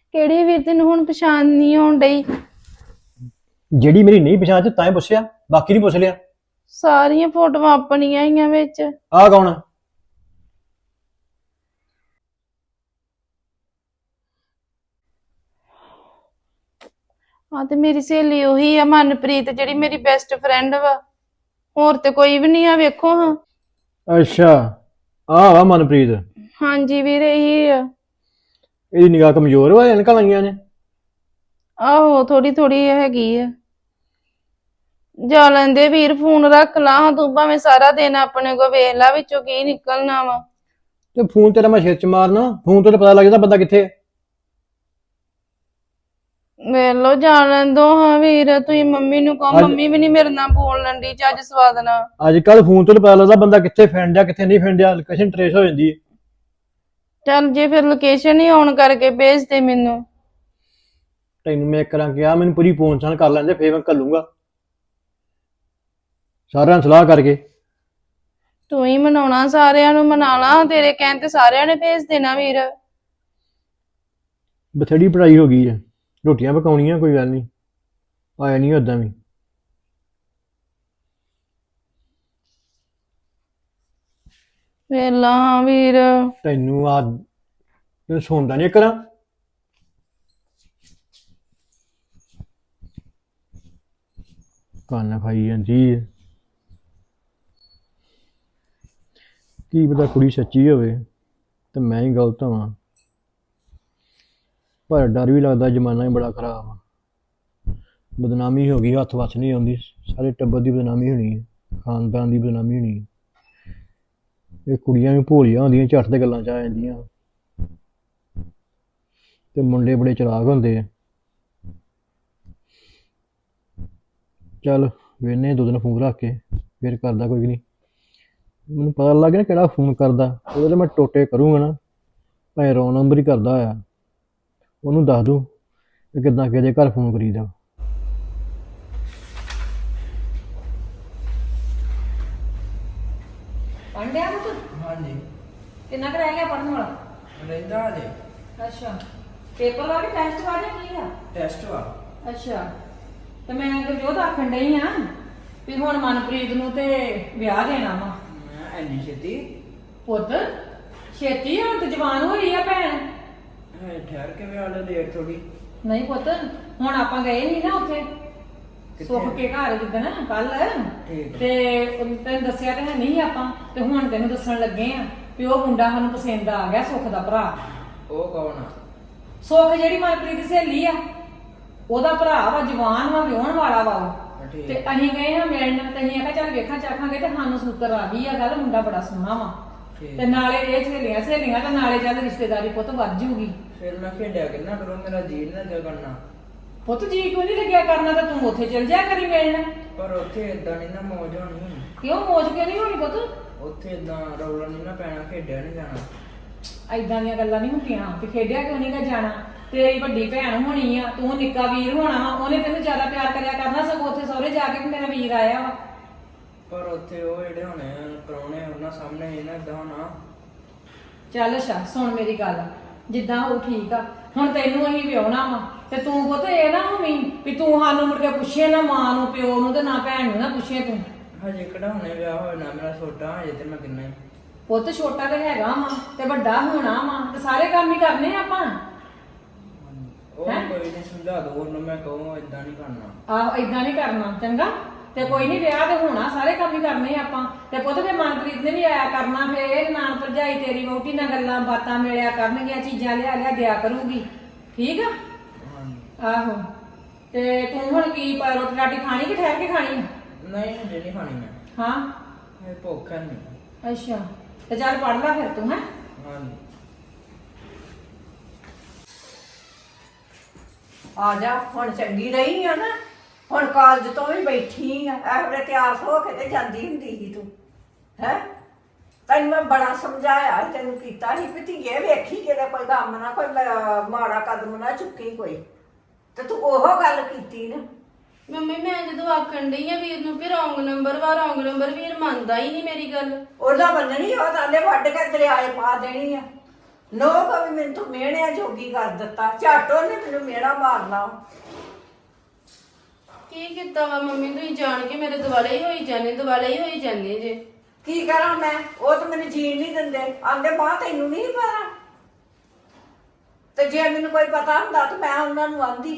ਕਿਹੜੀ ਵੀਰ ਤੈਨੂੰ ਹੁਣ ਪਛਾਣ ਨਹੀਂ ਆਉਣ ਡਈ? ਜਿਹੜੀ ਮੇਰੀ ਨਹੀਂ ਪਛਾਣ ਚ ਤਾਂ ਹੀ ਪੁੱਛਿਆ, ਬਾਕੀ ਨਹੀਂ ਪੁੱਛ ਲਿਆ। ਸਾਰੀਆਂ ਫੋਟੋਆਂ ਆਪਣੀਆਂ ਹੀ ਆ ਵਿੱਚ। ਆਹ ਕੌਣ ਆ? ਹਾਂ ਤੇ ਮੇਰੀ ਸਹੇਲੀ ਉਹੀ ਆ ਮਨਪ੍ਰੀਤ, ਜਿਹੜੀ ਮੇਰੀ ਬੈਸਟ ਫਰੈਂਡ ਵਾ। ਹੋਰ ਤੇ ਕੋਈ ਵੀ ਨਹੀਂ ਆ, ਵੇਖੋ ਹਾਂ। ਅੱਛਾ, ਆਹ ਵਾ ਮਨਪ੍ਰੀਤ। ਹਾਂਜੀ ਵੀਰ, ਇਹੀ ਆ। ਇਹਦੀ ਨਿਗਾਹ ਕਮਜ਼ੋਰ ਵਾ, ਐਨਕਾਂ ਲਾਈਆਂ ਨੇ। ਆਹੋ ਥੋੜੀ ਥੋੜੀ ਹੈਗੀ ਆ। ਜਾ ਲੈਂਦੇ ਵੀਰ, ਫੋਨ ਰੱਖ ਲਾ ਹਾਂ, ਤੂੰ ਭਾਵੇਂ ਸਾਰਾ ਦਿਨ ਆਪਣੇ ਕੋ ਵੇਖ ਲਾ ਵਿੱਚੋਂ ਕੀ ਨਿਕਲਣਾ ਵਾ। ਤੇ ਫੋਨ ਤੇਰਾ ਮੈਂ ਸਿਰ ਚ ਮਾਰਨਾ, ਫੋਨ ਤੋਂ ਤਾਂ ਪਤਾ ਲੱਗ ਜਾਂਦਾ ਬੰਦਾ ਕਿੱਥੇ ਹੈ। ਵੇਖ ਲੋ, ਜਾ ਲੈਂਦੋ ਹਾਂ ਵੀਰ। ਤੁਸੀਂ ਮੰਮੀ ਨੂੰ ਕਹੋ, ਅੱਜ ਮੰਮੀ ਵੀ ਨਹੀਂ ਮੇਰੇ ਨਾਲ ਬੋਲਣ ਦੀ ਚੱਜ ਸਵਾਦ ਨਾਲ। ਅੱਜ ਕੱਲ ਫੋਨ ਤੋਂ ਤਾਂ ਪਤਾ ਲੱਗਦਾ ਬੰਦਾ ਕਿੱਥੇ ਫਿਰਨ ਕਿੱਥੇ ਨਹੀਂ ਫਿਰਨ ਡਿਆ, ਲੋਕੇਸ਼ਨ ਟਰੇਸ ਹੋ ਜਾਂਦੀ ਹੈ। ਚੱਲ ਜੇ ਫਿਰ ਲੋਕੇਸ਼ਨ ਹੀ ਆਨ ਕਰਕੇ ਭੇਜ ਦੇ ਮੈਨੂੰ। ਤੈਨੂੰ ਮੈਂ ਕਰਾਂ ਕਿਹਾ, ਮੈਨੂੰ ਪੂਰੀ ਪਹੁੰਚਾਣ ਕਰ ਲੈਂਦੇ ਫੇਰ ਮੈਂ ਘੱਲੂੰਗਾ ਸਾਰਿਆਂ ਨਾਲ ਸਲਾਹ ਕਰਕੇ। ਤੂੰ ਹੀ ਮਨਾਉਣਾ, ਸਾਰਿਆਂ ਨੂੰ ਮਨਾ ਲਾ, ਤੇਰੇ ਕਹਿਣ ਤੇ ਸਾਰਿਆਂ ਨੇ ਭੇਜ ਦੇਣਾ ਵੀਰ। ਬਥੇਰੀ ਪੜ੍ਹਾਈ ਹੋ ਗਈ ਹੈ, ਰੋਟੀਆਂ ਪਕਾਉਣੀਆਂ, ਕੋਈ ਗੱਲ ਨਹੀਂ, ਆਇਆ ਨਹੀਂ ਓਦਾਂ ਵੀ। ਵੇਲਾ ਹਾਂ ਵੀਰ। ਤੈਨੂੰ ਤੈਨੂੰ ਸੁਣਦਾ ਨਹੀਂ ਕਰਾਂ। ਕੰਨ ਖਾਈ ਜਾਂਦੀ ਹੈ, ਕੀ ਪਤਾ ਕੁੜੀ ਸੱਚੀ ਹੋਵੇ ਤੇ ਮੈਂ ਹੀ ਗਲਤ ਹਾਂ। ਪਰ ਡਰ ਵੀ ਲੱਗਦਾ, ਜ਼ਮਾਨਾ ਹੀ ਬੜਾ ਖਰਾਬ ਆ। ਬਦਨਾਮੀ ਹੋ ਗਈ, ਹੱਥ ਵੱਸ ਨਹੀਂ ਆਉਂਦੀ, ਸਾਰੇ ਟੱਬਰ ਦੀ ਬਦਨਾਮੀ ਹੋਣੀ ਹੈ, ਖਾਨਦਾਨ ਦੀ ਬਦਨਾਮੀ ਹੋਣੀ ਹੈ। ਇਹ ਕੁੜੀਆਂ ਵੀ ਭੋਲੀਆਂ ਹੁੰਦੀਆਂ, ਝੱਟ ਤੇ ਗੱਲਾਂ ਚ ਆ ਜਾਂਦੀਆਂ, ਤੇ ਮੁੰਡੇ ਬੜੇ ਚਲਾਕ ਹੁੰਦੇ ਆ। ਚੱਲ ਵੇਨੇ ਦੋ ਦਿਨ ਫੋਨ ਰੱਖ ਕੇ ਫਿਰ ਕਰਦਾ, ਕੋਈ ਨਹੀਂ। ਮੈਨੂੰ ਪਤਾ ਲੱਗ ਗਿਆ ਨਾ ਕਿਹੜਾ ਫੋਨ ਕਰਦਾ, ਉਹਦੇ ਮੈਂ ਟੋਟੇ ਕਰੂੰਗਾ ਨਾ, ਭਾਵੇਂ ਰੌਂਗ ਨੰਬਰ ਹੀ ਕਰਦਾ ਹੋਇਆ, ਉਹਨੂੰ ਦੱਸ ਦੂੰ ਕਿ ਕਿੱਦਾਂ ਕਿਹਦੇ ਘਰ ਫੋਨ ਕਰੀਦਾ। ਪੜ੍ਹ ਲਿਆ ਪੁੱਤ? ਹਾਂਜੀ ਕਿੰਨਾ ਕੁ ਰਹਿ ਗਿਆ ਪੜ੍ਹਨ ਵਾਲਾ? ਰਹਿੰਦਾ ਹਜੇ ਅੱਛਾ, ਪੇਪਰ ਵਾ ਕੇ ਟੈਸਟ ਵਾ ਜਾਂ ਕੀ ਆ? ਟੈਸਟ ਵਾ। ਅੱਛਾ, ਤੇ ਮੈਂ ਗੁਰਜੋਤ ਆਖਣ ਡਈ ਆ ਵੀ ਹੁਣ ਮਨਪ੍ਰੀਤ ਨੂੰ ਤੇ ਵਿਆਹ ਦੇਣਾ ਵਾ। ਮੈਂ ਐਨੀ ਛੇਤੀ ਪੁੱਤ ਛੇਤੀ, ਹੁਣ ਤੇ ਜਵਾਨ ਹੋਈ ਆ ਭੈਣ। ਠਹਿਰ ਕੇ ਵਿਆਹ ਲੈ, ਲੇਟ ਥੋੜੀ। ਨਹੀਂ ਪੁੱਤ, ਹੁਣ ਆਪਾਂ ਗਏ ਨਹੀਂ ਨਾ ਉੱਥੇ ਸੁੱਖ ਕੇ ਘਰ ਜਿੱਦਣ ਕੱਲ, ਠੀਕ ਤੇ ਤੈਨੂੰ ਦੱਸਿਆ ਤੇ ਹੈ ਨਹੀਂ ਆਪਾਂ, ਤੇ ਹੁਣ ਤੈਨੂੰ ਦੱਸਣ ਲੱਗੇ ਆ ਵੀ ਉਹ ਮੁੰਡਾ ਸਾਨੂੰ ਪਸੰਦ ਆ ਗਿਆ, ਸੁੱਖ ਦਾ ਭਰਾ। ਉਹ ਕੌਣ ਆ? ਸੁੱਖ ਜਿਹੜੀ ਮਨਪ੍ਰੀਤ ਦੀ ਸਹੇਲੀ ਆ, ਉਹਦਾ ਭਰਾ ਵਾ, ਜਵਾਨ ਵਾ, ਵਿਆਹਣ ਵਾਲਾ ਵਾ ਉਹ। ਠੀਕ। ਤੇ ਅਸੀਂ ਗਏ ਹਾਂ ਮਿਲਣ, ਤੇ ਅਸੀਂ ਆਖਿਆ ਚੱਲ ਵੇਖਾਂ ਚਾਖਾਂਗੇ, ਤੇ ਸਾਨੂੰ ਸੂਤਰ ਆ ਗਈ ਆ ਗੱਲ, ਮੁੰਡਾ ਬੜਾ ਸੋਹਣਾ ਵਾ। ਠੀਕ। ਤੇ ਨਾਲੇ ਇਹ ਸਹੇਲੀਆਂ ਸਹੇਲੀਆਂ, ਤੇ ਨਾਲੇ ਚੱਲ ਰਿਸ਼ਤੇਦਾਰੀ ਪੁੱਤ ਵੱਧ ਜੂਗੀ। ਫਿਰ ਮੈਂ ਖੇਡਿਆ ਕਿੰਨਾ ਕਰੋ, ਮੇਰਾ ਜੀ ਨਾ ਜਾ ਕਰਨਾ। ਪੁੱਤ ਜੀ ਕਿਉਂ ਨਹੀਂ ਲੱਗਿਆ ਕਰਨਾ, ਤਾਂ ਤੂੰ ਉੱਥੇ ਚਲ ਜਾ ਕਰੀ ਮਿਲਣ। ਪਰ ਉੱਥੇ ਇਦਾਂ ਨਹੀਂ ਨਾ ਮੌਜ ਹੋਣੀ। ਕਿਉਂ ਮੌਜ ਕਿਉਂ ਨਹੀਂ ਹੋਣੀ ਪੁੱਤ? ਉੱਥੇ ਇਦਾਂ ਰੌਲਾ ਨਹੀਂ ਨਾ ਪੈਣਾ, ਖੇਡਿਆ ਨਹੀਂ ਜਾਣਾ। ਐਦਾਂ ਦੀਆਂ ਗੱਲਾਂ ਨਹੀਂ ਹੁੰਦੀਆਂ, ਤੇ ਖੇਡਿਆ ਕਿਉਂ ਨਹੀਂ ਗਾ ਜਾਣਾ? ਤੇਰੀ ਵੱਡੀ ਭੈਣ ਹੋਣੀ ਆ, ਤੂੰ ਨਿੱਕਾ ਵੀਰ ਹੋਣਾ ਵਾ, ਉਹਨੇ ਤੈਨੂੰ ਜ਼ਿਆਦਾ ਪਿਆਰ ਕਰਿਆ ਕਰਨਾ, ਸਗੋਂ ਉੱਥੇ ਸਹੁਰੇ ਜਾ ਕੇ ਵੀ ਮੇਰਾ ਵੀਰ ਆਇਆ ਵਾ। ਪਰ ਉੱਥੇ ਉਹ ਜਿਹੜੇ ਹੋਣੇ ਪ੍ਰਾਹੁਣੇ, ਉਹਨਾਂ ਸਾਹਮਣੇ ਇਹ ਨਾ ਇਦਾਂ ਹੋਣਾ। ਚੱਲ ਅੱਛਾ ਸੁਣ ਮੇਰੀ ਗੱਲ, ਜਿੱਦਾਂ ਉਹ ਠੀਕ ਆ। ਹੁਣ ਤੈਨੂੰ ਅਸੀਂ ਵਿਆਹੁਣਾ ਵਾ, ਤੇ ਤੂੰ ਪੁੱਤ ਇਹ ਨਾ ਹੋਵੀਂ ਵੀ ਤੂੰ ਸਾਨੂੰ ਮੁੜ ਕੇ ਪੁੱਛੇ ਨਾ ਮਾਂ ਨੂੰ, ਪਿਓ ਨੂੰ, ਤੇ ਨਾ ਭੈਣ ਨੂੰ ਨਾ ਪੁੱਛੇ ਤੂੰ। ਹਜੇ ਕਿਹੜਾ ਹੁਣੇ ਵਿਆਹ ਹੋਇਆ ਨਾ, ਮੇਰਾ ਛੋਟਾ ਹਜੇ, ਤੇ ਮੈਂ ਕਿੰਨਾ ਹੀ। ਪੁੱਤ ਛੋਟਾ ਤੇ ਹੈਗਾ ਵਾ, ਤੇ ਵੱਡਾ ਹੋਣਾ ਵਾ, ਤੇ ਸਾਰੇ ਕੰਮ ਹੀ ਕਰਨੇ ਆਪਾਂ। ਉਹ ਕੋਈ ਨਹੀਂ, ਸਮਝਾ ਦੋ ਉਹਨੂੰ, ਮੈਂ ਕਹੂੰ ਇਦਾਂ ਨਹੀਂ ਕਰਨਾ। ਆਹੋ ਏਦਾਂ ਨਹੀਂ ਕਰਨਾ, ਚੰਗਾ? ਤੇ ਕੋਈ ਨਹੀਂ, ਵਿਆਹ ਤੇ ਹੋਣਾ, ਸਾਰੇ ਕੰਮ ਹੀ ਕਰਨੇ ਆਪਾਂ। ਤੇ ਪੁੱਤ ਫੇ ਮਨਪ੍ਰੀਤ ਨੇ ਵੀ ਆਇਆ ਕਰਨਾ, ਫੇ ਇਹ ਨਾਨ ਭਰਜਾਈ ਤੇਰੀ ਵਹੁਟੀ ਨਾਲ ਗੱਲਾਂ ਬਾਤਾਂ ਮਿਲਿਆ ਕਰਨਗੀਆਂ, ਚੀਜ਼ਾਂ ਲਿਆ ਲਿਆ ਦਿਆ ਕਰੂਗੀ, ਠੀਕ ਆ? ਆਹੋ, ਤੇ ਤੂੰ ਹੁਣ ਕੀ ਰੋਟੀ ਰਾਟੀ ਖਾਣੀ ਕਿ ਠਹਿਰ ਕੇ ਖਾਣੀ? ਨਹੀਂ ਹਜੇ ਨਹੀਂ ਖਾਣੀ ਮੈਂ। ਹਾਂ ਇਹ ਭੁੱਖ ਹੈ ਨਹੀਂ। ਅੱਛਾ, ਤੇ ਚੱਲ ਪੜ ਲੈ ਫਿਰ ਤੂੰ, ਹੈ? ਹਾਂਜੀ। ਆ ਜਾ, ਹੁਣ ਚੰਗੀ ਰਹੀ ਆ ਨਾ, ਹੁਣ ਕਾਲਜ ਤੋਂ ਵੀ ਬੈਠੀ ਆ, ਇਹ ਵੇਲੇ ਤਿਆਰ ਹੋ ਕੇ ਤੇ ਜਾਂਦੀ ਹੁੰਦੀ ਸੀ ਤੂੰ, ਹੈ? ਤੈਨੂੰ ਮੈਂ ਬੜਾ ਸਮਝਾਇਆ, ਤੈਨੂੰ ਕੀਤਾ ਸੀ ਵੀ ਧੀਏ ਵੇਖੀ ਕਿਤੇ ਕੋਈ ਕੰਮ ਨਾ, ਕੋਈ ਮਾੜਾ ਕਦਮ ਨਾ ਚੁੱਕੀ ਕੋਈ, ਤੇ ਤੂੰ ਉਹ ਗੱਲ ਕੀਤੀ ਨਾ। ਮੰਮੀ ਮੈਂ ਜਦੋਂ ਆਖਣ ਡਈ ਆ ਵੀਰ ਨੂੰ ਕਿ ਰੌਂਗ ਨੰਬਰ ਵਾ, ਰੌਂਗ ਨੰਬਰ, ਵੀਰ ਮੰਨਦਾ ਹੀ ਨਹੀਂ ਮੇਰੀ ਗੱਲ। ਉਹਦਾ ਬੰਨਣੀ, ਉਹ ਤਾਂ ਵੱਢ ਕੇ ਦਰਿਆਏ ਪਾ ਦੇਣੀ ਆ। ਨੋ ਕਵੀ ਮੈਨੂੰ ਤੂੰ ਮਿਹਣਿਆਂ ਜੋਗੀ ਕਰ ਦਿੱਤਾ, ਝੱਟ ਉਹਨੇ ਮੈਨੂੰ ਮਿਹਣਾ ਮਾਰਨਾ। ਕੀ ਕੀਤਾ ਵਾ ਮੰਮੀ, ਤੁਸੀਂ ਜਾਣ ਕੇ ਮੇਰੇ ਦੁਆਲੇ ਹੀ ਹੋਈ ਜਾਂਦੇ ਜੇ। ਕੀ ਕਰਾਂ ਮੈਂ? ਉਹ ਤਾਂ ਮੈਨੂੰ ਜੀਣ ਨਹੀਂ ਦਿੰਦੇ, ਆਂਦੇ ਮਾਂ ਤੈਨੂੰ ਨਹੀਂ ਪਤਾ। ਤੇ ਜੇ ਮੈਨੂੰ ਕੋਈ ਪਤਾ ਹੁੰਦਾ ਤਾਂ ਮੈਂ ਉਹਨਾਂ ਨੂੰ ਆਂਦੀ।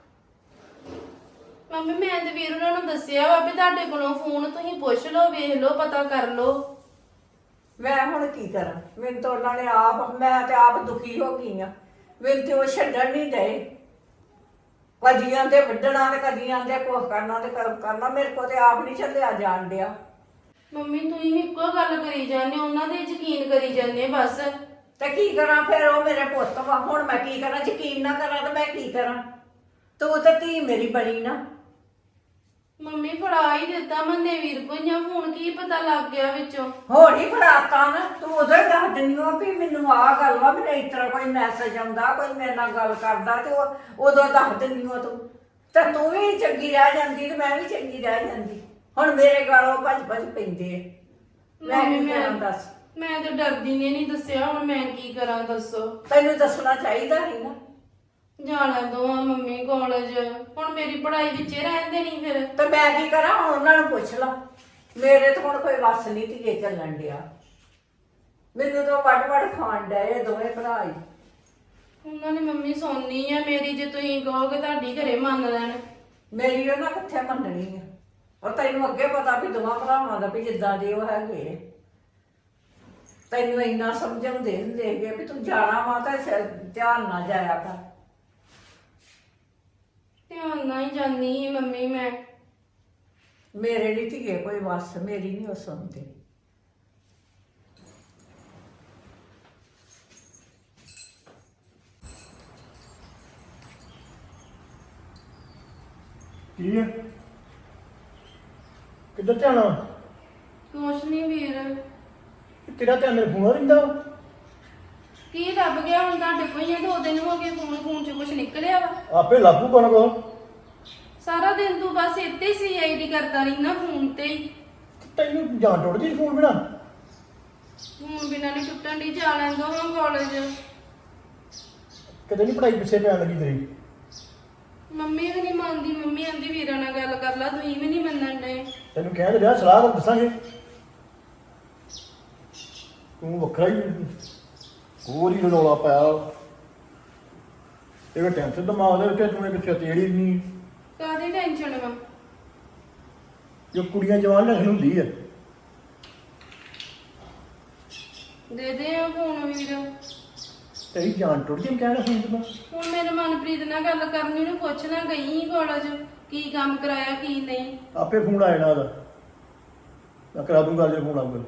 ਮੰਮੀ ਮੈਂ ਤੇ ਵੀਰ ਉਹਨਾਂ ਨੂੰ ਦੱਸਿਆ ਵਾ ਵੀ ਤੁਹਾਡੇ ਕੋਲੋਂ ਫੋਨ ਤੁਸੀਂ ਪੁੱਛ ਲਓ, ਵੇਖ ਲਓ, ਪਤਾ ਕਰ ਲਓ। ਮੈਂ ਹੁਣ ਕੀ ਕਰਾਂ? ਮੈਨੂੰ ਤਾਂ ਉਹਨਾਂ ਨੇ ਮੈਂ ਤੇ ਆਪ ਦੁਖੀ ਹੋ ਗਈ ਆ। ਮੈਨੂੰ ਤੇ ਉਹ ਛੱਡਣ ਨਹੀਂ ਦੇ, ਕਦੀਆਂ ਤੇ ਵੱਢਣਾ ਤੇ ਕਦੀਆਂ ਦੇ ਕੁਛ ਕਰਨਾ ਤੇ ਕਰਨਾ। ਮੇਰੇ ਕੋ ਤੇ ਆਪ ਨਹੀਂ ਚੱਲਿਆ ਜਾਣ ਡਿਆ। ਮੰਮੀ ਤੁਸੀਂ ਵੀ ਇੱਕੋ ਗੱਲ ਕਰੀ ਜਾਂਦੇ, ਉਹਨਾਂ ਦੇ ਯਕੀਨ ਕਰੀ ਜਾਂਦੇ ਬਸ। ਤੇ ਕੀ ਕਰਾਂ ਫਿਰ? ਉਹ ਮੇਰੇ ਪੁੱਤ ਵਾ, ਹੁਣ ਮੈਂ ਕੀ ਕਰਾਂ? ਯਕੀਨ ਨਾ ਕਰਾਂ ਤੇ ਮੈਂ ਕੀ ਕਰਾਂ? ਤੂੰ ਤਾਂ ਧੀ ਮੇਰੀ ਬਣੀ ਨਾ। ਮੰਮੀ ਫੜਾ ਹੀ ਦਿੱਤਾ ਮੰਨੇ ਵੀਰ ਕੋ ਜਾਂ ਫੋਨ, ਕੀ ਪਤਾ ਲੱਗ ਗਿਆ ਵਿੱਚੋਂ। ਹੋਰ ਹੀ ਫੜਾਤਾ ਨਾ ਤੂੰ। ਉਦੋਂ ਹੀ ਦੱਸ ਦਿੰਦੀ ਹੋ ਵੀ ਮੈਨੂੰ ਆਹ ਗੱਲ ਵਾ, ਮੈਨੂੰ ਇਸ ਤਰ੍ਹਾਂ ਕੋਈ ਮੈਸੇਜ ਆਉਂਦਾ, ਕੋਈ ਮੇਰੇ ਨਾਲ ਗੱਲ ਕਰਦਾ, ਤੇ ਉਦੋਂ ਦੱਸ ਦਿੰਦੀ ਹੋ ਤੂੰ। ਤੇ ਤੂੰ ਵੀ ਚੰਗੀ ਰਹਿ ਜਾਂਦੀ ਤੇ ਮੈਂ ਵੀ ਚੰਗੀ ਰਹਿ ਜਾਂਦੀ। ਹੁਣ ਮੇਰੇ ਗਾਲੋਂ ਭੱਜ ਪੈਂਦੇ ਆ। ਮੈਂ ਕੀ ਕਰਾਂ ਦੱਸ? ਮੈਂ ਤਾਂ ਡਰਦੀ ਨੇ ਨਹੀਂ ਦੱਸਿਆ, ਹੁਣ ਮੈਂ ਕੀ ਕਰਾਂ ਦੱਸੋ। ਤੈਨੂੰ ਦੱਸਣਾ ਚਾਹੀਦਾ ਸੀ ਨਾ। ਜਾਣਾ ਦੋ ਆ ਮੰਮੀ ਕਾਲਜ, ਹੁਣ ਮੇਰੀ ਪੜ੍ਹਾਈ ਵਿੱਚੇ ਰਹਿੰਦੇ ਨਹੀਂ ਫਿਰ। ਤੇ ਮੈਂ ਕੀ ਕਰਾਂ? ਹੁਣ ਉਹਨਾਂ ਨੂੰ ਪੁੱਛ ਲਾ। ਮੇਰੇ ਤਾਂ ਹੁਣ ਕੋਈ ਵੱਸ ਨਹੀਂ ਧੀਏ ਚੱਲਣ ਡਿਆ। ਮੈਨੂੰ ਤਾਂ ਵੱਡ ਖਾਣ ਡਏ ਦੋਵੇਂ ਭਰਾ ਹੀ। ਉਹਨਾਂ ਨੇ ਮੰਮੀ ਸੌਣੀ ਆ ਮੇਰੀ, ਜੇ ਤੁਸੀਂ ਕਹੋਗੇ ਤੁਹਾਡੀ ਘਰੇ ਮੰਨ ਲੈਣ। ਮੇਰੀ ਉਹਨਾਂ ਕਿੱਥੇ ਮੰਨਣੀ ਆ? ਔਰ ਤੈਨੂੰ ਅੱਗੇ ਪਤਾ ਵੀ ਦੋਵਾਂ ਭਰਾਵਾਂ ਦਾ ਵੀ ਜਿੱਦਾਂ ਦੇ ਉਹ ਹੈਗੇ। ਤੈਨੂੰ ਇੰਨਾ ਸਮਝਾਉਂਦੇ ਹੁੰਦੇ ਹੈਗੇ ਵੀ ਤੂੰ ਜਾਣਾ ਵਾ ਤਾਂ ਧਿਆਨ ਨਾ ਜਾਇਆ ਕਰ। ਧਿਆਨ ਨਾਲ ਹੀ ਜਾਂਦੀ ਸੀ ਮੰਮੀ ਮੈਂ। ਮੇਰੇ ਲਈ ਧੀਏ ਕੋਈ ਵੱਸ, ਮੇਰੀ ਨਹੀਂ ਉਹ ਸੁਣਦੇ। ਕੀ ਹੈ? ਕਿੱਧਰ ਧਿਆਨ? ਕੁਛ ਨਹੀਂ ਵੀਰ। ਤੇਰਾ ਧਿਆਨ ਮੇਰੇ ਫੋਨ ਰਹਿੰਦਾ? ਕੀ ਲੱਭ ਗਿਆ ਹੁਣ ਤੁਹਾਡੇ ਕੋਈ? 2 ਦਿਨ ਹੋ ਗਏ ਫੋਨ ਚ ਕੁਛ ਨਿਕਲਿਆ ਵਾ? ਆਪੇ ਲਾਗੂ ਕੋਣ ਕੋ? ਸਾਰਾ ਦਿਨ ਤੂੰ ਬਸ ਇੱਥੇ CID ਕਰਦਾ ਰਹਿਣਾ ਫੋਨ ਤੇ ਹੀ। ਤੈਨੂੰ ਜਾਨ ਟੁੱਟਦੀ ਫੋਨ ਬਿਨਾ? ਹੁਣ ਬਿਨਾਂ ਨਹੀਂ ਟੁੱਟਣ ਦੀ, ਜਾ ਲੈਂਦਾ ਹਾਂ ਕਾਲਜ। ਕਦੇ ਨਹੀਂ ਪੜਾਈ ਪਿੱਛੇ ਪੈਣ ਲੱਗੀ ਤੇਰੀ? ਮੰਮੀ ਵੀ ਨਹੀਂ ਮੰਨਦੀ, ਮੰਮੀ ਆਂਦੀ ਵੀਰਾਂ ਨਾਲ ਗੱਲ ਕਰ ਲਾ, ਤੁਸੀਂ ਵੀ ਨਹੀਂ ਮੰਨਣ ਡਏ। ਤੈਨੂੰ ਕਹਿ ਤੇ ਰਿਹਾ ਸਲਾਹ ਤਾਂ ਦੱਸਾਂਗੇ। ਤੂੰ ਵੱਖਰਾ ਹੀ ਹੋਰ ਹੀ ਰੌਲਾ ਪਾਇਆ। ਇਹ ਟੈਨਸ਼ਨ ਦਿਮਾਗ ਦੇ ਵਿੱਚ ਤੂੰ ਕਿੱਥੇ ਤੇੜੀ ਨਹੀਂ। ਕਾਹਦੀ ਟੈਨਸ਼ਨ ਵਾ? ਜੋ ਕੁੜੀਆਂ ਜਵਾਨ ਲੱਗ ਹੁੰਦੀ ਹੈ। ਦੇ ਦੇ ਆ ਫੋਨ ਵੀਰ। ਤੇਰੀ ਜਾਨ ਟੁੱਟ ਜੀ ਕਹਿਣਾ ਫੋਨ ਤੇ। ਹੁਣ ਮੇਰੇ ਮਨਪ੍ਰੀਤ ਨਾਲ ਗੱਲ ਕਰਨੀ, ਉਹਨੂੰ ਪੁੱਛਣਾ ਗਈ ਸੀ ਕਾਲਜ ਕੀ ਕੰਮ ਕਰਾਇਆ ਕੀ ਨਹੀਂ। ਆਪੇ ਫੋਨ ਆ ਜਾਣਾ ਉਹਦਾ। ਮੈਂ ਕਰਾ ਦੂੰਗਾ ਜੇ ਫੋਨ ਆਊਗਾ।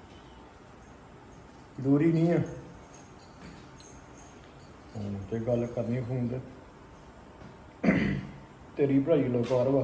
ਜ਼ਰੂਰੀ ਨਹੀਂ ਹੈ ਫੋਨ ਤੇ ਗੱਲ ਕਰਨੀ। ਫੋਨ ਤੇ ਤੇਰੀ ਭਰਾਈ ਲੋਕਾਰ ਵਾ।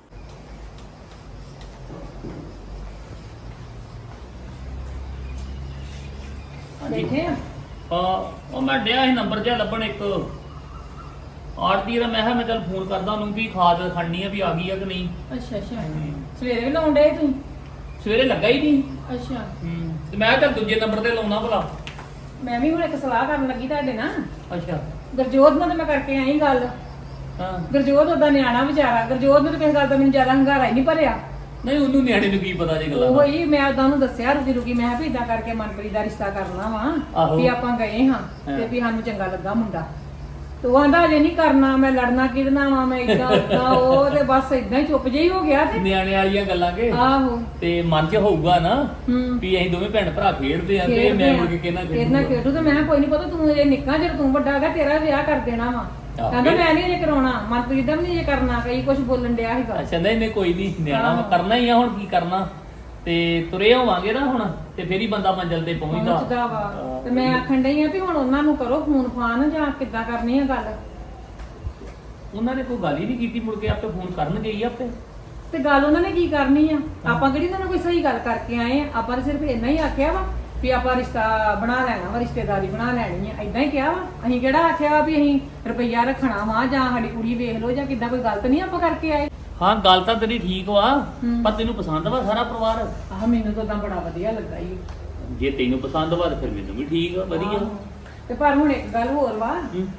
ਬੈਠੇ ਆ? ਉਹ ਮੈਂ ਡਿਆ ਸੀ ਨੰਬਰ ਜਿਹਾ ਲੱਭਣ ਇੱਕ ਆਰਤੀ ਦਾ। ਮੈਂ ਕਿਹਾ ਮੈਂ ਚੱਲ ਫੋਨ ਕਰਦਾ ਉਹਨੂੰ ਵੀ ਖਾਦ ਖੜਨੀ ਆ ਵੀ ਆ ਗਈ ਆ ਕਿ ਨਹੀਂ। ਅੱਛਾ ਸਵੇਰੇ ਵੀ ਲਾਉਣ ਡਏ ਤੂੰ? ਸਵੇਰੇ ਲੱਗਾ ਹੀ ਨਹੀਂ। ਅੱਛਾ ਤੇ ਮੈਂ ਕਿਹਾ ਚੱਲ ਦੂਜੇ ਨੰਬਰ ਤੇ ਲਾਉਣਾ ਭਲਾ। ਮੈਂ ਵੀ ਹੁਣ ਇੱਕ ਸਲਾਹ ਕਰਨ ਲੱਗੀ ਤੁਹਾਡੇ ਨਾਲ। ਅੱਛਾ ਗੁਰਜੋਤ ਨਾਲ ਤਾਂ ਮੈਂ ਕਰਕੇ ਆਈ ਗੱਲ। ਹਾਂ ਗੁਰਜੋਤ ਉਹਦਾ ਨਿਆਣਾ ਵਿਚਾਰਾ, ਗੁਰਜੋਤ ਨੂੰ ਤਾਂ ਕਿਸੇ ਗੱਲ ਦਾ ਮੈਨੂੰ ਜ਼ਿਆਦਾ ਹੰਗਾਰਾ ਹੀ ਨਹੀਂ ਭਰਿਆ। ਨਹੀਂ ਉਹਨੂੰ ਨਿਆਣੇ ਨੂੰ ਕੀ ਪਤਾ ਜੇ ਗੱਲਾਂ ਦਾ। ਉਹੀ ਮੈਂ ਉਦਾਂ ਨੂੰ ਦੱਸਿਆ ਰੁਕੀ ਮੈਂ ਵੀ ਇਦਾਂ ਕਰਕੇ ਮਨਪ੍ਰੀਤ ਦਾ ਰਿਸ਼ਤਾ ਕਰਨਾ ਵਾ ਆਹੋ। ਵੀ ਆਪਾਂ ਗਏ ਹਾਂ ਤੇ ਵੀ ਸਾਨੂੰ ਚੰਗਾ ਲੱਗਾ ਮੁੰਡਾ। ਤੇ ਉਹ ਆਂਦਾ ਅਜੇ ਨਹੀਂ ਕਰਨਾ, ਮੈਂ ਲੜਨਾ ਕਿਹਦੇ ਵਾ, ਮੈਂ ਇਦਾਂ ਉਦਾਂ। ਉਹ ਤੇ ਬਸ ਇਦਾਂ ਹੀ ਚੁੱਪ ਜਿਹੀ ਹੋ ਗਿਆ। ਤੇ ਨਿਆਣੇ ਵਾਲੀਆਂ ਗੱਲਾਂ ਕੇ ਆਹੋ ਤੇ ਮਨ 'ਚ ਹੋਊਗਾ ਨਾ ਹੂੰ ਵੀ ਅਸੀਂ ਦੋਵੇਂ ਭੈਣ ਭਰਾ ਖੇਡਦੇ ਆ ਤੇ ਮੈਂ ਮੁੜ ਕੇ ਕਹਿਣਾ ਕਿਹਨਾਂ ਖੇਡੂ। ਤੇ ਮੈਂ ਕਿਹਾ ਕੋਈ ਨਹੀਂ ਪਤਾ, ਤੂੰ ਅਜੇ ਨਿੱਕਾ, ਜਦੋਂ ਤੂੰ ਵੱਡਾ ਹੈਗਾ ਤੇਰਾ ਵਿਆਹ ਕਰ ਦੇਣਾ ਵਾ। ਕਹਿੰਦਾ ਮੈਂ ਨਹੀਂ ਅਜੇ ਕਰਾਉਣਾ, ਮਨਪ੍ਰੀਤ ਦਾ ਵੀ ਨਹੀਂ ਅਜੇ ਕਰਨਾ। ਕਈ ਕੁਝ ਬੋਲਣ ਡਿਆ ਸੀਗਾ। ਅੱਛਾ ਨਹੀਂ ਕੋਈ ਨਹੀਂ, ਨਿਆਣਾ ਵਾ, ਕਰਨਾ ਹੀ ਆ। ਹੁਣ ਕੀ ਕਰਨਾ, ਤੇ ਤੁਰੇ ਹੋਵਾਂਗੇ ਨਾ ਹੁਣ ਤੇ ਫੇਰ ਹੀ ਬੰਦਾ ਮੰਜ਼ਿਲ ਤੇ ਪਹੁੰਚਦਾ ਵਾ। ਤੇ ਮੈਂ ਆਖਣ ਡਈ ਆ ਵੀ ਹੁਣ ਉਹਨਾਂ ਨੂੰ ਕਰੋ ਫੋਨ ਫਾਨ, ਜਾਂ ਕਿੱਦਾਂ ਕਰਨੀ ਆ ਗੱਲ। ਉਹਨਾਂ ਨੇ ਕੋਈ ਗੱਲ ਹੀ ਨਹੀਂ ਕੀਤੀ, ਮੁੜ ਕੇ ਆਪੇ ਫੋਨ ਕਰਨਗੇ ਹੀ ਆਪੇ। ਤੇ ਗੱਲ ਉਹਨਾਂ ਨੇ ਕੀ ਕਰਨੀ ਆ? ਆਪਾਂ ਕਿਹੜੀ ਉਹਨਾਂ ਨਾਲ ਕੋਈ ਸਹੀ ਗੱਲ ਕਰਕੇ ਆਏ ਆ? ਆਪਾਂ ਤਾਂ ਸਿਰਫ ਇੰਨਾ ਹੀ ਆਖਿਆ ਵਾ ਵੀ ਆਪਾਂ ਰਿਸ਼ਤਾ ਬਣਾ ਲੈਣਾ ਵਾ, ਰਿਸ਼ਤੇਦਾਰੀ ਬਣਾ ਲੈਣੀ ਆ, ਏਦਾਂ ਹੀ ਕਿਹਾ ਵਾ। ਅਸੀਂ ਕਿਹੜਾ ਆਖਿਆ ਵਾ ਵੀ ਅਸੀਂ ਰੁਪਈਆ ਰੱਖਣਾ ਵਾ ਜਾਂ ਸਾਡੀ ਕੁੜੀ ਵੇਖ ਲਓ ਜਾਂ ਕਿੱਦਾਂ। ਕੋਈ ਗਲਤ ਨਹੀਂ ਆਪਾਂ ਕਰਕੇ ਆਏ। ਹਾਂ ਗੱਲ ਤਾਂ ਤੇਰੀ ਠੀਕ ਵਾ, ਪਰ ਤੈਨੂੰ ਪਸੰਦ ਵਾ ਸਾਰਾ ਪਰਿਵਾਰ? ਆਹ ਮੈਨੂੰ ਤਾਂ ਉਦਾਂ ਬੜਾ ਵਧੀਆ ਲੱਗਾ ਈ। ਜੇ ਤੈਨੂੰ ਪਸੰਦ ਵਾ ਤੇ ਫਿਰ ਮੈਨੂੰ ਵੀ ਠੀਕ ਆ, ਵਧੀਆ। ਤੇ ਪਰ ਹੁਣ ਇੱਕ ਗੱਲ ਹੋਰ ਵਾ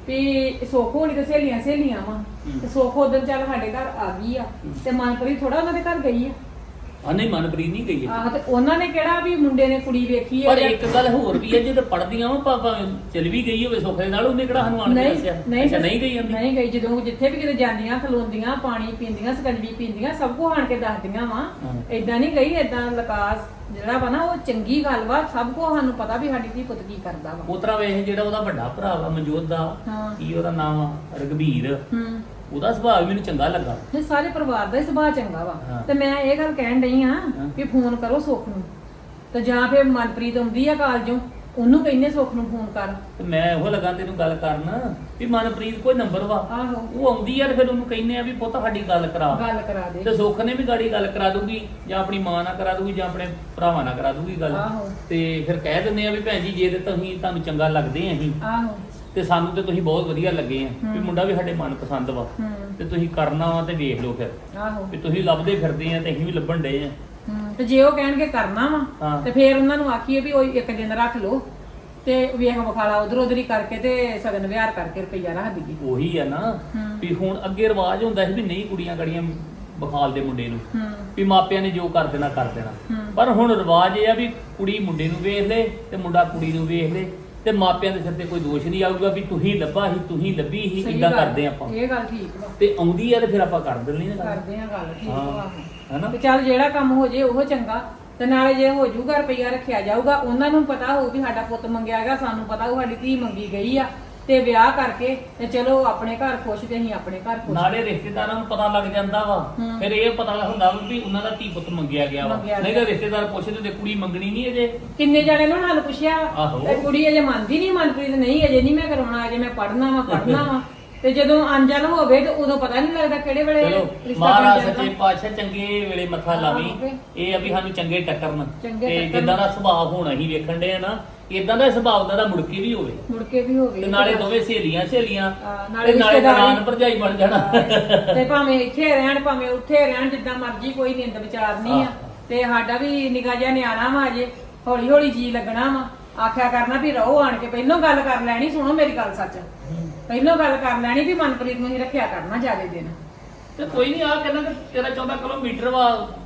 ਵੀ ਸੁੱਖ ਹੋਣੀ ਤੇ ਸਹੇਲੀਆਂ ਵਾ ਤੇ ਸੁੱਖ ਉਦੋਂ ਚੱਲ ਸਾਡੇ ਘਰ ਆ ਗਈ ਆ ਤੇ ਮਨਪ੍ਰੀਤ ਥੋੜਾ ਉਹਨਾਂ ਦੇ ਘਰ ਗਈ ਆ। ਆ ਨਹੀਂ ਮਨਪ੍ਰੀਤ ਨਹੀਂ ਗਈ ਹੈ। ਆਹ ਤੇ ਉਹਨਾਂ ਨੇ ਕਿਹੜਾ ਵੀ ਮੁੰਡੇ ਨੇ ਕੁੜੀ ਵੇਖੀ ਆ ਪਰ ਇੱਕ ਗੱਲ ਹੋਰ ਵੀ ਹੈ, ਜਦੋਂ ਪੜਦੀਆਂ ਵਾ ਪਾਪਾ ਚਲ ਵੀ ਗਈ ਹੋਵੇ ਸੁੱਖ ਦੇ ਨਾਲ, ਉਹਨੇ ਕਿਹੜਾ ਸਾਨੂੰ ਆਣ ਕੇ ਦੱਸਿਆ? ਅੱਛਾ ਨਹੀਂ ਗਈ ਜਾਂਦੀ? ਨਹੀਂ ਗਈ, ਜਦੋਂ ਜਿੱਥੇ ਵੀ ਕਿਤੇ ਜਾਂਦੀਆਂ ਖਲੋਂਦੀਆਂ ਪਾਣੀ ਪੀਂਦੀਆਂ ਸਕੰਜਵੀ ਪੀਂਦੀਆਂ ਸਭ ਕੁਝ ਆਣ ਕੇ ਦੱਸਦੀਆਂ ਵਾ। ਏਦਾਂ ਨਹੀਂ ਗਈ, ਏਦਾਂ ਲਕਾਸ ਜਿਹੜਾ ਵਾ ਨਾ ਉਹ ਚੰਗੀ ਗੱਲ ਵਾ, ਸਭ ਕੁਝ ਸਾਨੂੰ ਪਤਾ ਵੀ ਸਾਡੀ ਧੀ ਪੁੱਤ ਕੀ ਕਰਦਾ ਵਾ। ਉਤਰਾ ਵੇਖ ਜਿਹੜਾ ਉਹਦਾ ਵੱਡਾ ਭਰਾ ਵਾ ਮਨਜੋਤ ਦਾ, ਕੀ ਉਹਦਾ ਨਾਮ ਆ, ਰਘਬੀਰ, ਉਹਦਾ ਸੁਭਾਅ ਵੀ ਮੈਨੂੰ ਚੰਗਾ ਲੱਗਾ। ਇਹ ਸਾਰੇ ਪਰਿਵਾਰ ਦਾ ਹੀ ਸੁਭਾਅ ਚੰਗਾ ਵਾ। ਤੇ ਮੈਂ ਇਹ ਗੱਲ ਕਹਿਣ ਡਈ ਆ ਵੀ ਫੋਨ ਕਰੋ ਸੁੱਖ ਨੂੰ, ਤੇ ਜਾਂ ਫਿਰ ਮਨਪ੍ਰੀਤ ਆਉਂਦੀ ਆ ਕਾਲਜੋਂ ਉਹਨੂੰ ਕਹਿੰਦੇ ਸੁੱਖ ਨੂੰ ਫੋਨ ਕਰ। ਤੇ ਮੈਂ ਉਹ ਲੱਗਾ ਤੈਨੂੰ ਗੱਲ ਕਰਨ ਵੀ ਮਨਪ੍ਰੀਤ ਕੋਈ ਨੰਬਰ ਵਾ, ਆਹੋ ਉਹ ਆਉਂਦੀ ਆ ਤੇ ਫਿਰ ਉਹਨੂੰ ਕਹਿੰਦੇ ਆ ਵੀ ਪੁੱਤ ਸਾਡੀ ਗੱਲ ਕਰਾ ਦੇ ਤੇ ਸੁੱਖ ਨੇ ਵੀ ਗਾੜੀ ਗੱਲ ਕਰਾ ਦੂਗੀ, ਜਾਂ ਆਪਣੀ ਮਾਂ ਨਾਲ ਕਰਾ ਦੂਗੀ ਜਾਂ ਆਪਣੇ ਭਰਾਵਾਂ ਨਾਲ ਕਰਾ ਦੂਗੀ ਗੱਲ। ਆਹੋ ਤੇ ਫਿਰ ਕਹਿ ਦਿੰਦੇ ਆ ਵੀ ਭੈਣ ਜੀ ਜੇ ਤੇ ਤੁਸੀਂ ਤੁਹਾਨੂੰ ਚੰਗਾ ਲੱਗਦੇ ਆ ਅਸੀਂ ਆਹੋ ਤੇ ਸਾਨੂੰ ਤੇ ਤੁਸੀਂ ਬਹੁਤ ਵਧੀਆ ਲੱਗੇ ਆ ਵੀ ਮੁੰਡਾ ਵੀ ਸਾਡੇ ਮਨ ਪਸੰਦ ਵਾ ਤੇ ਤੁਸੀਂ ਕਰਨਾ ਵਾ ਤੇ ਵੇਖ ਲਓ ਫਿਰ ਆਹੋ ਵੀ ਤੁਸੀਂ ਲੱਭਦੇ ਫਿਰਦੇ ਆ ਤੇ ਅਸੀਂ ਵੀ ਲੱਭਣ ਡਏ ਆ। ਤੇ ਜੇ ਉਹ ਕਹਿਣਗੇ ਕਰਨਾ ਵਾ ਹਾਂ। ਤੇ ਫਿਰ ਉਹਨਾਂ ਨੂੰ ਆਖੀਏ ਵੀ ਉਹ ਇੱਕ ਦਿਨ ਰੱਖ ਲਓ ਤੇ ਵੇਖ ਵਿਖਾਲਾ ਉਧਰ ਹੀ ਕਰਕੇ ਤੇ ਸਗਨ ਵਿਹਾਰ ਕਰਕੇ ਰੁਪਈਆ ਰੱਖ ਦਈਏ। ਉਹੀ ਆ ਨਾ ਵੀ ਹੁਣ ਅੱਗੇ ਰਿਵਾਜ ਹੁੰਦਾ ਸੀ ਵੀ ਨਹੀਂ ਕੁੜੀਆਂ ਗੜੀਆਂ ਬਖਾਲ ਦੇ ਮੁੰਡੇ ਨੂੰ ਵੀ ਮਾਪਿਆਂ ਨੇ ਜੋ ਕਰ ਦੇਣਾ ਪਰ ਹੁਣ ਰਿਵਾਜ ਇਹ ਆ ਵੀ ਕੁੜੀ ਮੁੰਡੇ ਨੂੰ ਵੇਖ ਲੇ ਤੇ ਮੁੰਡਾ ਕੁੜੀ ਨੂੰ ਵੇਖ ਲੇ ਤੇ ਮਾਪਿਆਂ ਦੇ ਸਿਰ ਤੇ ਕੋਈ ਦੋਸ਼ ਨਹੀਂ ਆਊਗਾ ਵੀ ਤੁਸੀਂ ਲੱਭਾ ਸੀ ਤੁਸੀਂ ਲੱਭੀ ਸੀ, ਸਹੀ ਇਦਾਂ ਗੱਲ, ਕਰਦੇ ਆਪਾਂ। ਇਹ ਗੱਲ ਠੀਕ ਵਾ, ਤੇ ਆਉਂਦੀ ਆ ਤੇ ਫਿਰ ਆਪਾਂ ਕਰ ਦਿੰਦੇ ਨਾ ਕਰਦੇ ਆ ਗੱਲ ਠੀਕ ਵਾ। ਹਨਾ ਤੇ ਚੱਲ ਜਿਹੜਾ ਕੰਮ ਹੋ ਜੇ ਉਹ ਚੰਗਾ, ਤੇ ਨਾਲੇ ਜੇ ਹੋ ਜਾਊਗਾ ਰੁਪਈਆ ਰੱਖਿਆ ਜਾਊਗਾ, ਉਹਨਾਂ ਨੂੰ ਪਤਾ ਹੋਊ ਵੀ ਸਾਡਾ ਪੁੱਤ ਮੰਗਿਆ ਹੈਗਾ, ਸਾਨੂੰ ਪਤਾ ਹੋਊ ਸਾਡੀ ਧੀ ਮੰਗੀ ਗਈ ਆ, ਤੇ ਵਿਆਹ ਕਰਕੇ ਤੇ ਚਲੋ ਆਪਣੇ ਘਰ ਖੁਸ਼ ਤੇ ਅਸੀਂ ਆਪਣੇ ਘਰ ਖੁਸ਼। ਨਾਲੇ ਰਿਸ਼ਤੇਦਾਰਾਂ ਨੂੰ ਪਤਾ ਲੱਗ ਜਾਂਦਾ ਵਾ, ਫਿਰ ਇਹ ਪਤਾ ਹੁੰਦਾ ਵਾ ਵੀ ਉਹਨਾਂ ਦਾ ਧੀ ਪੁੱਤ ਮੰਗਿਆ ਗਿਆ ਵਾ। ਨਹੀਂ ਤਾਂ ਰਿਸ਼ਤੇਦਾਰ ਪੁੱਛਦੇ ਤੇ ਕੁੜੀ ਮੰਗਣੀ ਨਹੀਂ ਅਜੇ। ਕਿੰਨੇ ਜਾਣੇ ਨੂੰ ਹਾਲ ਪੁੱਛਿਆ ਆਹੋ। ਤੇ ਕੁੜੀ ਅਜੇ ਮੰਨਦੀ ਨਹੀਂ, ਮਨਪ੍ਰੀਤ ਨਹੀਂ ਅਜੇ ਨਹੀਂ ਮੈਂ ਕਰਾਉਣਾ, ਅਜੇ ਮੈਂ ਪੜ੍ਹਨਾ ਵਾ ਤੇ ਜਦੋਂ ਅਣਜਾਣ ਹੋਵੇ ਤੇ ਉਦੋਂ ਪਤਾ ਨਹੀਂ ਲੱਗਦਾ ਕਿਹੜੇ ਵੇਲੇ ਚਲੋ ਰਿਸ਼ਤਾ ਮਹਾਰਾਜ ਬਣ ਜਾਂਦਾ। ਸੱਚੇ ਪਾਤਸ਼ਾਹ ਚੰਗੇ ਵੇਲੇ ਮੱਥਾ ਲਾਵੀ, ਇਹ ਆ ਵੀ ਸਾਨੂੰ ਚੰਗੇ ਟੱਕਰਨ ਤੇ ਜਿੱਦਾਂ ਦਾ ਸੁਭਾਅ ਹੋਣਾ ਹੀ ਵੇਖਣ ਦੇ ਆ ਨਾ, ਇਦਾਂ ਦਾ ਸੁਭਾਅ ਉਹਨਾਂ ਦਾ ਮੁੜ ਕੇ ਵੀ ਹੋਵੇ ਤੇ ਨਾਲੇ ਦੋਵੇਂ ਸਹੇਲੀਆਂ ਨਾਲੇ ਤੇ ਨਾਲੇ ਨਨਾਣ ਭਰਜਾਈ ਬਣ ਜਾਣਾ। ਤੇ ਭਾਵੇਂ ਇੱਥੇ ਰਹਿਣ ਭਾਵੇਂ ਉੱਥੇ ਰਹਿਣ, ਜਿੱਦਾਂ ਮਰਜ਼ੀ, ਕੋਈ ਨਿੰਦ ਵਿਚਾਰ ਨਹੀਂ ਆ। ਤੇ ਸਾਡਾ ਵੀ ਨਿੱਕਾ ਜਿਹਾ ਨਿਆਣਾ ਵਾ, ਅਜੇ ਹੌਲੀ ਹੌਲੀ ਜੀ ਲੱਗਣਾ ਵਾ। ਆਖਿਆ ਕਰਨਾ ਵੀ ਰਹੋ ਆਣ ਕੇ, ਪਹਿਲੋਂ ਗੱਲ ਕਰ ਲੈਣੀ, ਸੁਣੋ ਮੇਰੀ ਗੱਲ ਸੱਚ, ਪਹਿਲੋਂ ਗੱਲ ਕਰ ਲੈਣੀ ਵੀ ਮਨਪ੍ਰੀਤ ਨੂੰ ਹੀ ਰੱਖਿਆ ਕਰਨਾ ਜ਼ਿਆਦਾ ਦਿਨ। ਤੇ ਕੋਈ ਨਹੀਂ ਆ ਕਹਿੰਦਾ ਕਿ 13-14 ਕਿਲੋਮੀਟਰ ਵਾ,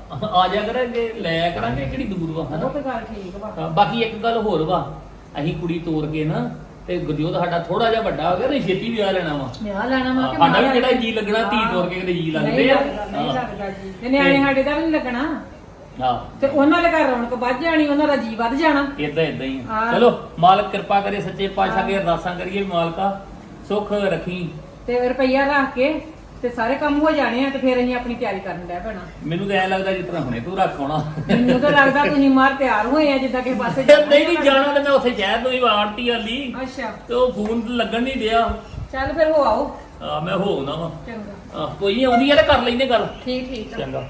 ਆ ਜਾ ਕਰਾਂਗੇ, ਲੈ ਕਰਾਂਗੇ, ਕਿਹੜੀ ਦੂਰ ਵਾ ਉਹ ਤਾਂ ਗੱਲ ਠੀਕ ਵਾ। ਬਾਕੀ ਇੱਕ ਗੱਲ ਹੋਰ ਵਾ, ਅਸੀਂ ਕੁੜੀ ਤੋਰ ਕੇ ਨਾ ਤੇ ਗੁਰਜੋਤ ਸਾਡਾ ਥੋੜਾ ਜਿਹਾ ਵੱਡਾ ਹੋ ਗਿਆ ਤੇ ਛੇਤੀ ਵਿਆਹ ਲੈਣਾ ਵਾ। ਵਿਆਹ ਲੈਣਾ ਵਾ ਕਿ ਸਾਡਾ ਵੀ ਕਿਹੜਾ ਜੀ ਲੱਗਣਾ, ਧੀ ਤੋਰ ਕੇ ਕਿਤੇ ਜੀ ਲੱਗਦੇ ਆ। ਨਹੀਂ ਲੱਗਦਾ ਜੀ, ਤੇ ਨਿਆਣੇ ਸਾਡੇ ਦਾ ਵੀ ਨਹੀਂ ਲੱਗਣਾ। ਹਾਂ ਤੇ ਉਹਨਾਂ ਦੇ ਘਰ ਰੌਣਕ ਵੱਧ ਜਾਣੀ, ਉਹਨਾਂ ਦਾ ਜੀ ਵੱਧ ਜਾਣਾ। ਇਦਾਂ ਹੀ ਆ। ਚਲੋ ਮਾਲਕ ਕਿਰਪਾ ਕਰੇ, ਸੱਚੇ ਪਾਤਸ਼ਾਹ ਅੱਗੇ ਅਰਦਾਸਾਂ ਕਰੀਏ ਵੀ ਮਾਲਕਾ ਸੁੱਖ ਰੱਖੀ ਤੇ ਰੁਪਈਆ ਰੱਖ ਕੇ ਤੇ ਸਾਰੇ ਕੰਮ ਹੋ ਜਾਣੇ ਆ, ਤੇ ਫਿਰ ਅਸੀਂ ਆਪਣੀ ਤਿਆਰੀ ਕਰਨ ਡੈ ਪੈਣਾ। ਮੈਨੂੰ ਤਾਂ ਐ ਲੱਗਦਾ ਜਿਸ ਤਰ੍ਹਾਂ ਹੁਣੇ ਤੂੰ ਰੱਖਾਉਣਾ। ਮੈਨੂੰ ਤਾਂ ਲੱਗਦਾ ਤੁਸੀਂ ਮਾਰ ਤਿਆਰ ਹੋਏ ਆ ਜਿੱਦਾਂ ਕਿਸੇ ਪਾਸੇ ਨਹੀਂ ਜਾਣਾ ਤੇ ਮੈਂ ਉੱਥੇ ਸ਼ਹਿਰ ਤੋਂ ਹੀ ਆੜਤੀ ਵਾਲੀ ਅੱਛਾ ਤੇ ਉਹ ਫੋਨ ਲੱਗਣ ਨਹੀਂ ਦਿਆ। ਚੱਲ ਫਿਰ ਹੋ ਆਓ। ਮੈਂ ਹੋਣਾ ਵਾ। ਚੰਗਾ ਕੋਈ ਨਹੀਂ, ਆਉਂਦੀ ਆ ਤੇ ਕਰ ਲੈਂਦੇ ਗੱਲ। ਠੀਕ ਆ। ਚੰਗਾ।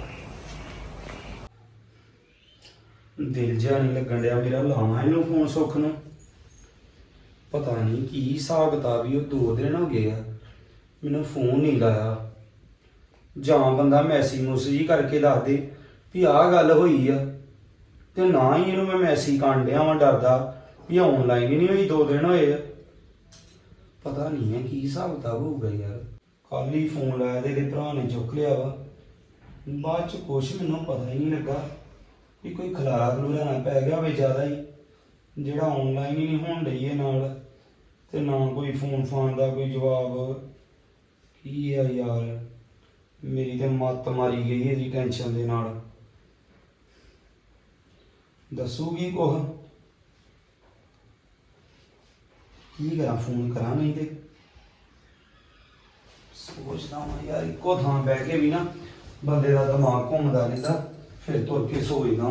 ਦਿਲ ਜਿਹਾ ਨਹੀਂ ਲੱਗਣ ਡਿਆ ਮੇਰਾ, ਲਾਵਾਂ ਇਹਨੂੰ ਫੋਨ ਸੁੱਖ ਨੂੰ। ਪਤਾ ਨਹੀਂ ਕੀ ਹਿਸਾਬ ਕਿਤਾਬ ਹੀ, ਉਹ 2 ਦਿਨ ਹੋ ਗਏ ਆ ਮੈਨੂੰ ਫੋਨ ਨਹੀਂ ਲਾਇਆ। ਜਾਂ ਬੰਦਾ ਮੈਸੇਜ ਹੀ ਕਰਕੇ ਦੱਸ ਦੇ ਵੀ ਆਹ ਗੱਲ ਹੋਈ ਆ, ਤੇ ਨਾ ਹੀ ਇਹਨੂੰ ਮੈਂ ਮੈਸੇਜ ਕਰਨ ਡਿਆ ਵਾਂ ਡਰਦਾ ਵੀ ਆਨਲਾਈਨ ਹੀ ਨਹੀਂ ਹੋਈ, 2 ਦਿਨ ਹੋਏ ਆ। ਪਤਾ ਨਹੀਂ ਹੈ ਕੀ ਹਿਸਾਬ ਕਿਤਾਬ ਹੋਊਗਾ ਯਾਰ। ਕੱਲ ਹੀ ਫੋਨ ਲਾਇਆ ਤੇ ਇਹਦੇ ਭਰਾ ਨੇ ਚੁੱਕ ਲਿਆ ਵਾ, ਬਾਅਦ ਚ ਕੁਛ ਮੈਨੂੰ ਪਤਾ ਹੀ ਨਹੀਂ ਲੱਗਾ ਵੀ ਕੋਈ ਖਲਾਰਾ ਖਲੂਰਾ ਨਾ ਪੈ ਗਿਆ ਹੋਵੇ ਜ਼ਿਆਦਾ ਹੀ, ਜਿਹੜਾ ਆਨਲਾਈਨ ਹੀ ਨਹੀਂ ਹੋਣ ਡਈ ਇਹ ਨਾਲ, ਤੇ ਨਾ ਕੋਈ ਫੋਨ ਫਾਨ ਦਾ ਕੋਈ ਜਵਾਬ। ਕੀ ਆ ਯਾਰ, ਮੇਰੀ ਤੇ ਮੱਤ ਮਾਰੀ ਗਈ ਇਹਦੀ ਟੈਨਸ਼ਨ ਦੇ ਨਾਲ। ਦੱਸੂਗੀ ਕੁਛ? ਕੀ ਕਰਾਂ, ਫੋਨ ਕਰਾਂ ਨਹੀਂ ਤੇ ਸੋਚਦਾ ਹਾਂ ਯਾਰ, ਇੱਕੋ ਥਾਂ ਬਹਿ ਕੇ ਵੀ ਨਾ ਬੰਦੇ ਦਾ ਦਿਮਾਗ ਘੁੰਮਦਾ ਰਹਿੰਦਾ, ਫਿਰ ਤੁਰ ਕੇ ਸੋਚਦਾ।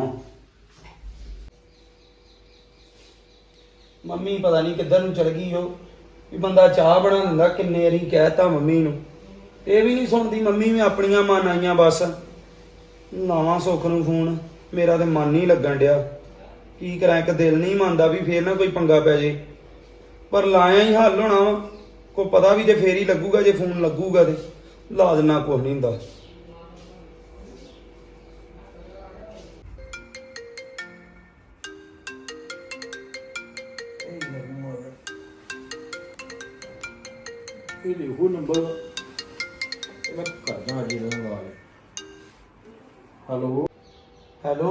ਮੰਮੀ ਪਤਾ ਨਹੀਂ ਕਿੱਧਰ ਨੂੰ ਚਲ ਗਈ ਉਹ, ਵੀ ਬੰਦਾ ਚਾਹ ਬਣਾ ਦਿੰਦਾ, ਕਿੰਨੇ ਵਾਰੀ ਕਹਿਤਾ ਮੰਮੀ ਨੂੰ, ਇਹ ਵੀ ਨਹੀਂ ਸੁਣਦੀ ਮੰਮੀ ਵੀ ਆਪਣੀਆਂ ਮਨ ਆਈਆਂ ਬਸ। ਲਾਵਾਂ ਸੁੱਖ ਨੂੰ ਫੋਨ, ਮੇਰਾ ਤੇ ਮਨ ਨਹੀਂ ਲੱਗਣ ਡਿਆ। ਕੀ ਕਰਾਂ, ਇੱਕ ਦਿਲ ਨਹੀਂ ਮੰਨਦਾ ਵੀ ਫੇਰ ਨਾ ਕੋਈ ਪੰਗਾ ਪੈ ਜੇ, ਪਰ ਲਾਇਆ ਹੀ ਹੱਲ ਹੋਣਾ ਵਾ। ਕੋਈ ਪਤਾ ਵੀ ਤੇ ਫੇਰ ਹੀ ਲੱਗੂਗਾ, ਜੇ ਫੋਨ ਲੱਗੂਗਾ ਤੇ ਲਾ ਦੇਣਾ, ਕੁਛ ਨਹੀਂ ਹੁੰਦਾ। ਤੇ ਉਹ ਨੰਬਰ ਮੈਂ ਕਰਦਾ ਅੱਜ ਇਹਨਾਂ ਨਾਲ ਗੱਲ। ਹੈਲੋ ਹੈਲੋ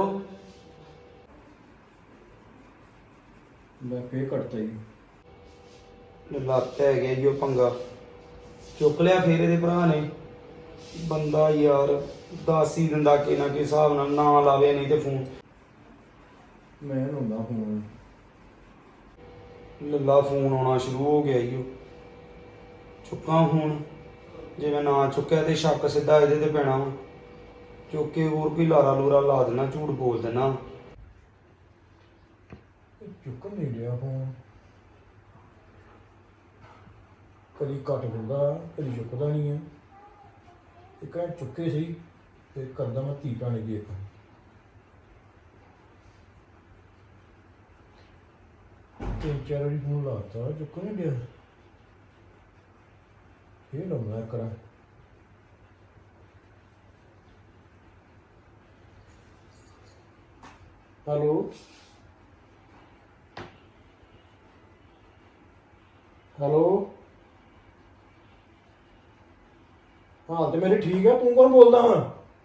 ਮੈਂ ਫੇਰ ਕੱਟਤਾ ਜੀ। ਲੱਤ ਹੈਗੇ ਜੀ ਉਹ ਪੰਗਾ ਚੁੱਕ ਲਿਆ ਫੇਰ ਇਹਦੇ ਭਰਾ ਨੇ। ਬੰਦਾ ਯਾਰ ਦੱਸ ਹੀ ਦਿੰਦਾ ਕਿ ਨਾ ਕਿ ਹਿਸਾਬ ਨਾਲ ਨਾ ਲਾਵੇ ਨਹੀਂ ਤੇ ਫੋਨ ਮੈਂ ਲਾਉਂਦਾ ਫੋਨ। ਲੱਲਾ ਫੋਨ ਆਉਣਾ ਸ਼ੁਰੂ ਹੋ ਗਿਆ ਈ ਉਹ। ਚੁੱਕਾਂ ਫੋਨ, ਜੇ ਮੈਂ ਨਾ ਚੁੱਕਿਆ ਤੇ ਸ਼ੱਕ ਸਿੱਧਾ ਇਹਦੇ ਤੇ ਪੈਣਾ ਵਾ। ਚੁੱਕ ਕੇ ਹੋਰ ਕੋਈ ਲਾਰਾ ਲੂਰਾ ਲਾ ਦੇਣਾ, ਝੂਠ ਬੋਲ ਦੇਣਾ। ਚੁੱਕਣ ਨਹੀਂ ਰਿਹਾ ਫੋਨ, ਕਦੀ ਕੱਟ ਦਿੰਦਾ ਕਦੀ ਚੁੱਕਦਾ ਨਹੀਂ ਆ। ਇੱਕ ਵਾਰ ਚੁੱਕੇ ਸੀ ਤੇ ਕਰਦਾ ਮੈਂ ਧੀ ਭੈਣ ਦੀ ਇੱਕ। ਤਿੰਨ ਚਾਰ ਵਾਰੀ ਫੋਨ ਲਾਤਾ ਚੁੱਕ ਨਹੀਂ ਰਿਹਾ। ਇਹ ਲਾਉਣਾ ਕਰਾਂ। ਹੈਲੋ ਹੈਲੋ ਹਾਂ ਤੇ ਮੇਰੇ ਠੀਕ ਆ, ਤੂੰ ਕੌਣ ਬੋਲਦਾ ਵਾ?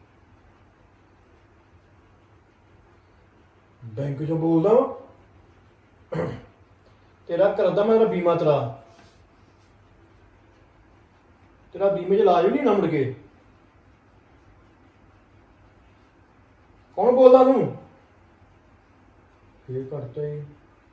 ਬੈਂਕ ਚੋਂ ਬੋਲਦਾ ਵਾ। ਤੇਰਾ ਕਰਦਾ ਮੈਂ ਤੇਰਾ ਬੀਮਾ ਤੇਰਾ ਬੀਮੇ 'ਚ ਇਲਾਜ ਵੀ ਨਹੀਂ ਹੋਣਾ ਮੁੜ ਕੇ। ਕੌਣ ਬੋਲਦਾ ਤੂੰ? ਫੇਰ ਕਰਤਾ ਹੀ।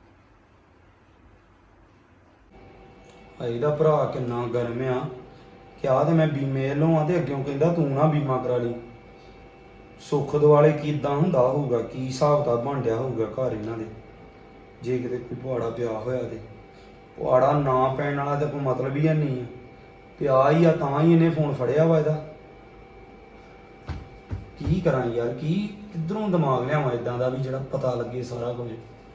ਇਹਦਾ ਭਰਾ ਕਿੰਨਾ ਗਰਮ ਆ। ਕਿਹਾ ਤੇ ਮੈਂ ਬੀਮੇ ਵੱਲੋਂ ਆ ਤੇ ਅੱਗਿਓਂ ਕਹਿੰਦਾ ਤੂੰ ਨਾ ਬੀਮਾ ਕਰਾ ਲਈ। ਸੁੱਖ ਦੁਆਲੇ ਕਿੱਦਾਂ ਹੁੰਦਾ ਹੋਊਗਾ, ਕੀ ਹਿਸਾਬ ਕਿਤਾਬ ਬਣ ਡਿਆ ਹੋਊਗਾ ਘਰ ਇਹਨਾਂ ਦੇ। ਜੇ ਕਿਤੇ ਕੋਈ ਪੁਆੜਾ ਪਿਆ ਹੋਇਆ ਤੇ ਪੁਆੜਾ ਨਾ ਪੈਣ ਵਾਲਾ ਤਾਂ ਕੋਈ ਮਤਲਬ ਹੀ ਨਹੀਂ ਆ। ਪਿਆ ਹੀ ਆ ਤਾਂ ਹੀ ਇਹਨੇ ਫੋਨ ਫੜਿਆ ਵਾ ਇਹਦਾ। ਕੀ ਕਰਾਂ ਯਾਰ, ਕੀ ਕਿੱਧਰੋਂ ਦਿਮਾਗ ਲਿਆਵਾਂ ਇਦਾਂ ਦਾ ਵੀ ਜਿਹੜਾ ਪਤਾ ਲੱਗੇ ਸਾਰਾ ਕੁਝ।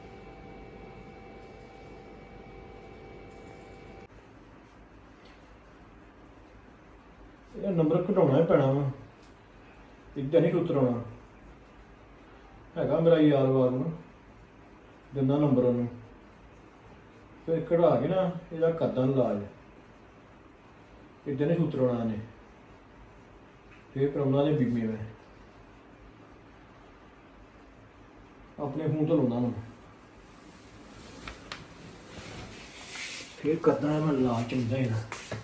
ਇਹ ਨੰਬਰ ਘਟਾਉਣਾ ਹੀ ਪੈਣਾ ਵਾ, ਇੱਦਾਂ ਨਹੀਂ ਉਤਰਾਉਣਾ ਹੈਗਾ। ਮੇਰਾ ਯਾਰ ਵਾਰ ਨੂੰ ਦਿੰਦਾ ਨੰਬਰ ਉਹਨੂੰ, ਫਿਰ ਕਢਾ ਕੇ ਨਾ ਇਹਦਾ ਕਰਦਾ ਇਲਾਜ। ਇੱਦਾਂ ਨਹੀਂ ਉਤਰਾਉਣਾ ਨੇ। ਫਿਰ ਕਰਾਉਣਾ ਦੇ ਬੀਮੇ ਮੈਂ ਆਪਣੇ ਫੋਨ ਤੋਂ ਲਾਉਣਾ ਨੂੰ। ਫਿਰ ਕਰਦਾ ਮੈਂ ਇਲਾਜ ਚੰਗਾ ਹੀ ਨਾ।